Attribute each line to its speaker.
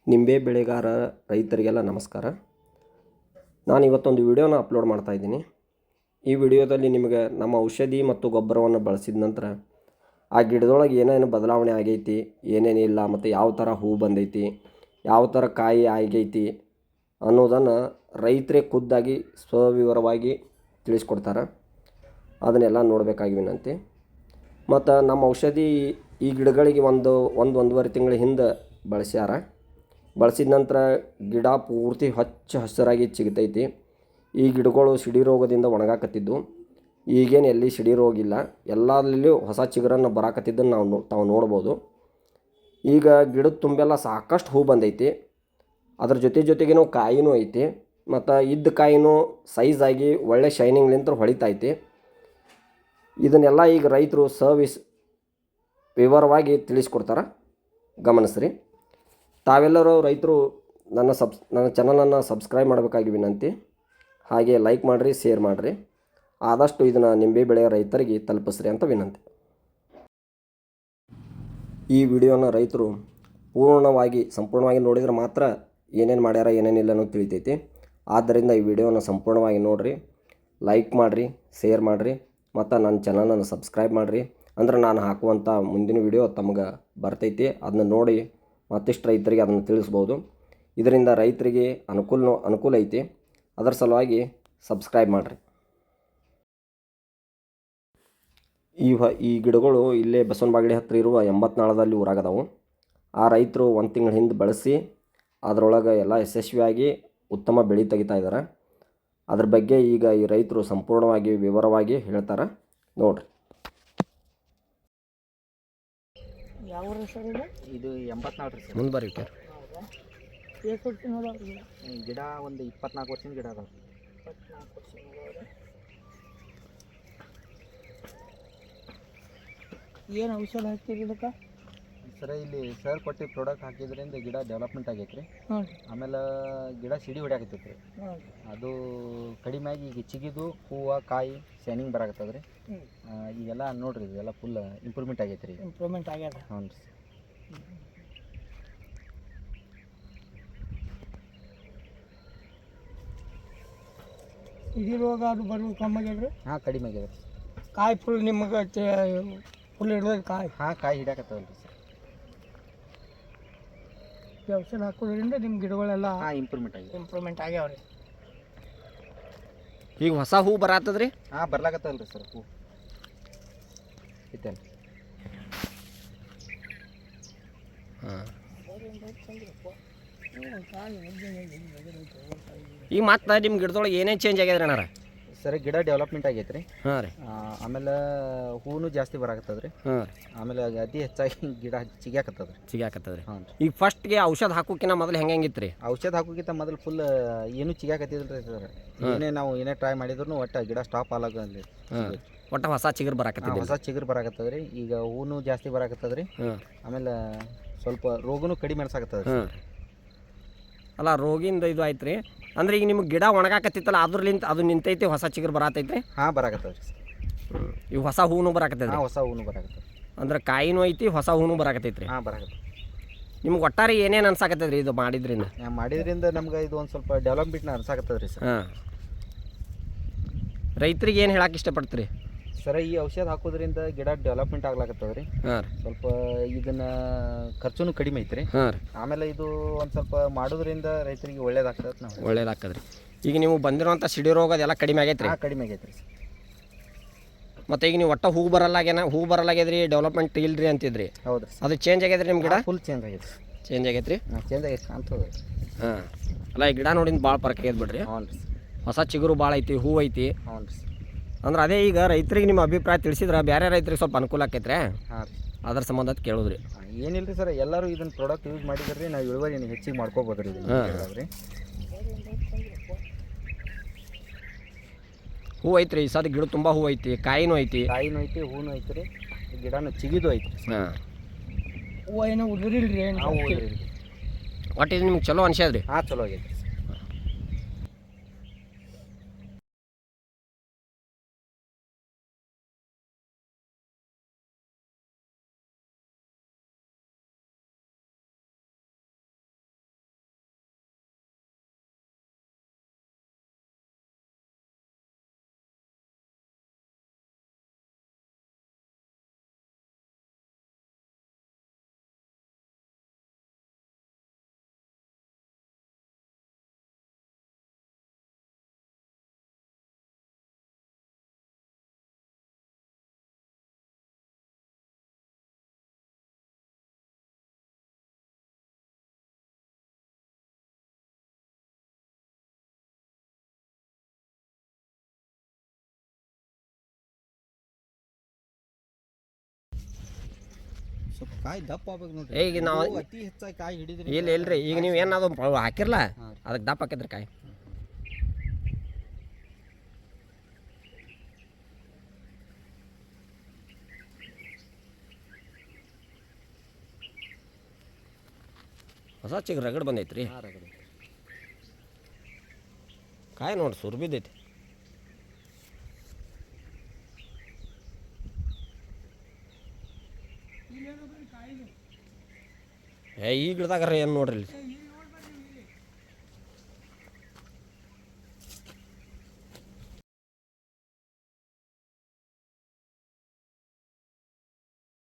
Speaker 1: ನಿಂಬೆ ಬೆಳೆಗಾರ ರೈತರಿಗೆಲ್ಲ ನಮಸ್ಕಾರ. ನಾನು ಇವತ್ತೊಂದು ವಿಡಿಯೋನ ಅಪ್ಲೋಡ್ ಮಾಡ್ತಾಯಿದ್ದೀನಿ. ಈ ವಿಡಿಯೋದಲ್ಲಿ ನಿಮಗೆ ನಮ್ಮ ಔಷಧಿ ಮತ್ತು ಗೊಬ್ಬರವನ್ನು ಬಳಸಿದ ನಂತರ ಆ ಗಿಡದೊಳಗೆ ಏನೇನು ಬದಲಾವಣೆ ಆಗೈತಿ, ಏನೇನಿಲ್ಲ, ಮತ್ತು ಯಾವ ಥರ ಹೂ ಬಂದೈತಿ, ಯಾವ ಥರ ಕಾಯಿ ಆಗೈತಿ ಅನ್ನೋದನ್ನು ರೈತರೇ ಖುದ್ದಾಗಿ ಸ್ವವಿವರವಾಗಿ ತಿಳಿಸ್ಕೊಡ್ತಾರೆ. ಅದನ್ನೆಲ್ಲ ನೋಡಬೇಕಾಗಿ ವಿನಂತಿ. ಮತ್ತು ನಮ್ಮ ಔಷಧಿ ಈ ಗಿಡಗಳಿಗೆ ಒಂದೂವರೆ ತಿಂಗಳ ಹಿಂದೆ ಬಳಸಿದ ನಂತರ ಗಿಡ ಪೂರ್ತಿ ಹಚ್ಚ ಹಸಿರಾಗಿ ಚಿಗುತೈತಿ. ಈ ಗಿಡಗಳು ಸಿಡಿ ರೋಗದಿಂದ ಒಣಗಾಕತ್ತಿದ್ದು. ಈಗೇನು ಎಲ್ಲಿ ಸಿಡಿ ರೋಗ ಇಲ್ಲ, ಎಲ್ಲದರಲ್ಲಿಯೂ ಹೊಸ ಚಿಗುರನ್ನು ಬರಾಕತ್ತಿದ್ದನ್ನು ತಾವು ನೋಡ್ಬೋದು. ಈಗ ಗಿಡದ ತುಂಬೆಲ್ಲ ಸಾಕಷ್ಟು ಹೂ ಬಂದೈತಿ. ಅದ್ರ ಜೊತೆಗೇನೋ ಕಾಯಿನೂ ಐತಿ. ಮತ್ತು ಇದ್ದ ಕಾಯಿನೂ ಸೈಜಾಗಿ ಒಳ್ಳೆ ಶೈನಿಂಗ್ಲಿಂತ ಹೊಳಿತೈತಿ. ಇದನ್ನೆಲ್ಲ ಈಗ ರೈತರು ವಿವರವಾಗಿ ತಿಳಿಸ್ಕೊಡ್ತಾರೆ, ಗಮನಿಸ್ರಿ. ತಾವೆಲ್ಲರೂ ರೈತರು ನನ್ನ ಚಾನಲನ್ನು ಸಬ್ಸ್ಕ್ರೈಬ್ ಮಾಡಬೇಕಾಗಿ ವಿನಂತಿ. ಹಾಗೆ ಲೈಕ್ ಮಾಡಿರಿ, ಶೇರ್ ಮಾಡಿರಿ. ಆದಷ್ಟು ಇದನ್ನು ನಿಂಬೆ ಬೆಳೆಯ ರೈತರಿಗೆ ತಲುಪಿಸ್ರಿ ಅಂತ ವಿನಂತಿ. ಈ ವಿಡಿಯೋನ ರೈತರು ಸಂಪೂರ್ಣವಾಗಿ ನೋಡಿದರೆ ಮಾತ್ರ ಏನೇನು ಮಾಡ್ಯಾರ ಏನೇನಿಲ್ಲ ಅನ್ನೋದು ತಿಳಿತೈತಿ. ಆದ್ದರಿಂದ ಈ ವಿಡಿಯೋನ ಸಂಪೂರ್ಣವಾಗಿ ನೋಡಿರಿ, ಲೈಕ್ ಮಾಡಿರಿ, ಶೇರ್ ಮಾಡಿರಿ, ಮತ್ತು ನನ್ನ ಚಾನಲನ್ನು ಸಬ್ಸ್ಕ್ರೈಬ್ ಮಾಡಿರಿ. ಅಂದ್ರೆ ನಾನು ಹಾಕುವಂಥ ಮುಂದಿನ ವಿಡಿಯೋ ತಮಗೆ ಬರ್ತೈತಿ. ಅದನ್ನ ನೋಡಿ ಮತ್ತಿಷ್ಟು ರೈತರಿಗೆ ಅದನ್ನು ತಿಳಿಸ್ಬೋದು. ಇದರಿಂದ ರೈತರಿಗೆ ಅನುಕೂಲ ಐತಿ. ಅದರ ಸಲುವಾಗಿ ಸಬ್ಸ್ಕ್ರೈಬ್ ಮಾಡಿರಿ. ಈ ಗಿಡಗಳು ಇಲ್ಲೇ ಬಸವನಬಾಗಡಿ ಹತ್ತಿರ ಇರುವ 84ದಲ್ಲಿ ಊರಾಗದಾವು. ಆ ರೈತರು ಒಂದು ತಿಂಗಳ ಹಿಂದೆ ಬಳಸಿ ಅದರೊಳಗೆ ಎಲ್ಲ ಯಶಸ್ವಿಯಾಗಿ ಉತ್ತಮ ಬೆಳೆ ತೆಗಿತಾ ಇದ್ದಾರೆ. ಅದ್ರ ಬಗ್ಗೆ ಈಗ ಈ ರೈತರು ಸಂಪೂರ್ಣವಾಗಿ ವಿವರವಾಗಿ ಹೇಳ್ತಾರೆ, ನೋಡಿರಿ.
Speaker 2: ಯಾವ ಸರ್
Speaker 3: ಇದು 84 ಸರ್.
Speaker 1: ಮುಂದೆ ಬರ್ರಿ ಸರ್.
Speaker 3: ಗಿಡ ಒಂದು 24 ವರ್ಷದ ಗಿಡ ಅದಾವೆ.
Speaker 2: 24 ವರ್ಷ. ಏನು ಔಷಧ ಹಾಕ್ತೀರಿ ಇದಕ್ಕೆ
Speaker 3: ಸರ್? ಇಲ್ಲಿ ಸರ್ ಕೊಟ್ಟು ಪ್ರಾಡಕ್ಟ್ ಹಾಕಿದ್ರಿಂದ ಗಿಡ ಡೆವಲಪ್ಮೆಂಟ್ ಆಗೈತೆ ರೀ. ಆಮೇಲೆ ಗಿಡ ಸಿಡಿ ಹೊಡ್ಯಾಕತ್ತೈತೆ ರೀ. ಅದು ಕಡಿಮೆ ಆಗಿ ಈಗ ಚಿಗಿದು ಹೂವು ಕಾಯಿ ಶೈನಿಂಗ್ ಬರಾಕತ್ತದ ರೀ. ಈಗೆಲ್ಲ ನೋಡ್ರಿ, ಇದೆಲ್ಲ ಫುಲ್ ಇಂಪ್ರೂವ್ಮೆಂಟ್ ಆಗೈತೆ ರೀ.
Speaker 2: ಇಂಪ್ರೂವ್ಮೆಂಟ್ ಆಗ್ಯದ.
Speaker 3: ಹ್ಞೂ ರೀ.
Speaker 2: ಇಡೀ ರೋಗ ಅದು ಬರೋದು ಕಮ್ಮಿ ಆಗ್ಯದ್ರಿ?
Speaker 3: ಹಾಂ, ಕಡಿಮೆ ಆಗ್ಯದ ರೀ.
Speaker 2: ಕಾಯಿ ಫುಲ್ ನಿಮಗೆ ಫುಲ್ ಹಿಡಿದ ಕಾಯಿ?
Speaker 3: ಹಾಂ, ಕಾಯಿ ಹಿಡ್ಯಾಕತ್ತವಲ್ಲ ರೀ ಸರ್.
Speaker 2: ಈ ಔಷಧ ಹಾಕೋದ್ರಿಂದ ನಿಮ್ಮ ಗಿಡಗಳೆಲ್ಲ ಇಂಪ್ರೂವ್ಮೆಂಟ್ ಆಗ್ಯಾವ ರೀ.
Speaker 1: ಈಗ ಹೊಸ ಹೂ ಬರತ್ತದ್ರಿ?
Speaker 3: ಹಾಂ, ಬರ್ಲಾಕತ್ತಲ್ಲ ರೀ ಸರ್. ಹೂ ಐತಲ್ಲ.
Speaker 1: ಈಗ ಮತ್ತೆ ನಿಮ್ಮ ಗಿಡದೊಳಗೆ ಏನೇನು ಚೇಂಜ್ ಆಗ್ಯದ್ರಿ ಅಣ್ಣಾರ?
Speaker 3: ಸರ್, ಗಿಡ ಡೆವಲಪ್ಮೆಂಟ್ ಆಗೈತೆ ರೀ.
Speaker 1: ಹಾಂ ರೀ.
Speaker 3: ಆಮೇಲೆ ಹೂನು ಜಾಸ್ತಿ ಬರಾಕತ್ತದ ರೀ.
Speaker 1: ಹಾಂ.
Speaker 3: ಆಮೇಲೆ ಅತಿ ಹೆಚ್ಚಾಗಿ ಗಿಡ ಚಿಗ್ಯಾಕತ್ತದ
Speaker 1: ರೀ.
Speaker 3: ಹಾಂ.
Speaker 1: ಈಗ ಫಸ್ಟ್ಗೆ ಔಷಧ ಹಾಕೋಕಿನ ಮೊದಲು ಹೆಂಗಿತ್ತು ರೀ?
Speaker 3: ಔಷಧ ಹಾಕೋಕ್ಕಿಂತ ಮೊದಲು ಫುಲ್ ಏನು ಚಿಗ್ಯಾಕತ್ತಿದ್ರಿ ಸರ್. ಏನೇ ಟ್ರೈ ಮಾಡಿದ್ರು ಒಟ್ಟು ಗಿಡ ಸ್ಟಾಪ್ ಆಗಲ್ಲ.
Speaker 1: ಒಟ್ಟು ಹೊಸ ಚಿಗುರು ಬರಾಕತ್ತಿದೆ.
Speaker 3: ಹೊಸ ಚಿಗುರು ಬರಾಕತ್ತದ ರೀ. ಈಗ ಹೂನು ಜಾಸ್ತಿ ಬರಾಕತ್ತದ ರೀ. ಆಮೇಲೆ ಸ್ವಲ್ಪ ರೋಗನು ಕಡಿಮೆ ಅನ್ಸಾಕತ್ತದ ರೀ.
Speaker 1: ಅಲ್ಲ, ರೋಗಿಂದ ಇದು ಆಯ್ತು ರೀ. ಅಂದ್ರೆ ಈಗ ನಿಮ್ಗೆ ಗಿಡ ಒಣಗಾಕತ್ತಿತ್ತಲ್ಲ, ಅದ್ರಲಿಂತ ಅದು ನಿಂತೈತಿ, ಹೊಸ ಚಿಗುರು ಬರಾತೈತ್ರಿ?
Speaker 3: ಹಾಂ, ಬರಾಕತ್ತದ ರೀ.
Speaker 1: ಈಗ ಹೊಸ ಹೂನು ಬರಾಕತ್ತೈತಿ?
Speaker 3: ಹೊಸ ಹೂನು ಬರಾಕತ್ತದ.
Speaker 1: ಅಂದ್ರೆ ಕಾಯಿನೂ ಐತಿ, ಹೊಸ ಹೂನು ಬರಾಕತ್ತೈತ್ರಿ?
Speaker 3: ಹಾಂ, ಬರಾಕತ್ತದ.
Speaker 1: ನಿಮ್ಗೆ ಒಟ್ಟಾರೆ ಏನೇನು ಅನ್ಸಾಕತ್ತದ್ರಿ ಇದು ಮಾಡಿದ್ರಿಂದ?
Speaker 3: ನಮ್ಗೆ ಇದು ಒಂದು ಸ್ವಲ್ಪ ಡೆವಲಪ್ಮೆಂಟ್ನ ಅನ್ಸಾಕತ್ತದ ರೀ ಸರ್.
Speaker 1: ಹಾಂ. ರೈತರಿಗೆ ಏನು ಹೇಳಕ್ಕೆ ಇಷ್ಟಪಡ್ತೀರಿ
Speaker 3: ಸರ್? ಈ ಔಷಧ ಹಾಕೋದ್ರಿಂದ ಗಿಡ ಡೆವಲಪ್ಮೆಂಟ್ ಆಗ್ಲಾಕತ್ತದ ರೀ.
Speaker 1: ಹಾಂ ರೀ.
Speaker 3: ಸ್ವಲ್ಪ ಇದನ್ನ ಖರ್ಚುನು ಕಡಿಮೆ ಐತ್ರಿ.
Speaker 1: ಹಾಂ ರೀ.
Speaker 3: ಆಮೇಲೆ ಇದು ಒಂದು ಸ್ವಲ್ಪ ಮಾಡೋದ್ರಿಂದ ರೈತರಿಗೆ ಒಳ್ಳೇದಾಗ್ತದೆ.
Speaker 1: ಈಗ ನೀವು ಬಂದಿರುವಂಥ ಸಿಡಿ ರೋಗ ಅದೆಲ್ಲ ಕಡಿಮೆ ಆಗೈತೆ ರೀ?
Speaker 3: ಕಡಿಮೆ ಆಗೈತೆ ರೀ.
Speaker 1: ಮತ್ತು ಈಗ ನೀವು ಒಟ್ಟು ಹೂ ಬರಲಾಗ್ಯದ್ರಿ, ಡೆವಲಪ್ಮೆಂಟ್ ಇಲ್ರಿ ಅಂತಿದ್ರಿ.
Speaker 3: ಹೌದು.
Speaker 1: ಅದು ಚೇಂಜ್ ಆಗೈತೆ ರೀ ನಿಮ್ಮ ಗಿಡ?
Speaker 3: ಫುಲ್ ಚೇಂಜ್ ಆಗೈತೆ.
Speaker 1: ಚೇಂಜ್ ಆಗೈತೆ ರೀ?
Speaker 3: ಚೇಂಜ್ ಆಗೈತೆ ಕಾಣ್ತದೆ.
Speaker 1: ಹಾಂ. ಅಲ್ಲ, ಈ ಗಿಡ ನೋಡಿಂದ ಭಾಳ ಪರಕ್ ಆಗೈತೆ ಬಿಡ್ರಿ.
Speaker 3: ಹ್ಞೂ ರೀ.
Speaker 1: ಹೊಸ ಚಿಗುರು ಭಾಳ ಐತಿ, ಹೂ ಐತಿ.
Speaker 3: ಹ್ಞೂ ರೀ.
Speaker 1: ಅಂದ್ರೆ ಅದೇ ಈಗ ರೈತರಿಗೆ ನಿಮ್ಮ ಅಭಿಪ್ರಾಯ ತಿಳಿಸಿದ್ರೆ ಬೇರೆ ರೈತರಿಗೆ ಸ್ವಲ್ಪ ಅನುಕೂಲ ಆಕೈತ್ರಿ.
Speaker 3: ಹಾಂ ರೀ.
Speaker 1: ಅದ್ರ ಸಂಬಂಧ ಕೇಳಿದ್ರಿ.
Speaker 3: ಏನಿಲ್ಲ ರೀ ಸರ್, ಎಲ್ಲರೂ ಇದನ್ನ ಪ್ರಾಡಕ್ಟ್ ಯೂಸ್ ಮಾಡಿದ್ರಿ, ನಾವು ಇಳುವರಿ ಹೆಚ್ಚಿಗೆ ಮಾಡ್ಕೋಬೋದು ರೀ. ರೀ
Speaker 1: ಹೂ ಐತ್ರಿ, ಈ ಸದ ಗಿಡ ತುಂಬ ಹೂ ಐತಿ, ಕಾಯಿನೂ ಐತಿ,
Speaker 3: ಹೂನು ಐತಿ ರೀ. ಗಿಡನೂ ಚಿಗಿದು ಐತಿ.
Speaker 1: ಹಾಂ.
Speaker 2: ಹೂವು ಏನೋ ಉದುರಿಲ್ರಿ?
Speaker 1: ಒಟ್ಟು ಇದು ನಿಮ್ಗೆ ಚಲೋ ಅನ್ಸ್ಯಾದ್ರಿ?
Speaker 3: ಹಾಂ, ಚಲೋ ಆಗೈತಿ. ಸ್ವಲ್ಪ ಕಾಯಿ ದಪ್ಪ ಆಗ್ಬೇಕು ನೋಡ್ರಿ.
Speaker 1: ಈಗ ನಾವು
Speaker 3: ಅತಿ ಹೆಚ್ಚಾಗಿ ಕಾಯಿ ಹಿಡಿದ್ರಿ
Speaker 1: ಇಲ್ಲ ಇಲ್ರಿ ಈಗ ನೀವು ಏನಾದ್ರು ಹಾಕಿರಲ್ಲ ಅದಕ್ಕೆ ದಪ್ಪ ಹಾಕಿದ್ರಿ ಕಾಯಿ. ಹೊಸ ಚಿಗ್ ರಗಡ್ ಬಂದೈತ್ರಿ. ಕಾಯಿ ನೋಡಿ ಸುರ್ ಬಿದ್ದೈತಿ. ಈ ಗಿಡದಾಗ ಏನು ನೋಡ್ರಿ ಇಲ್ಲಿ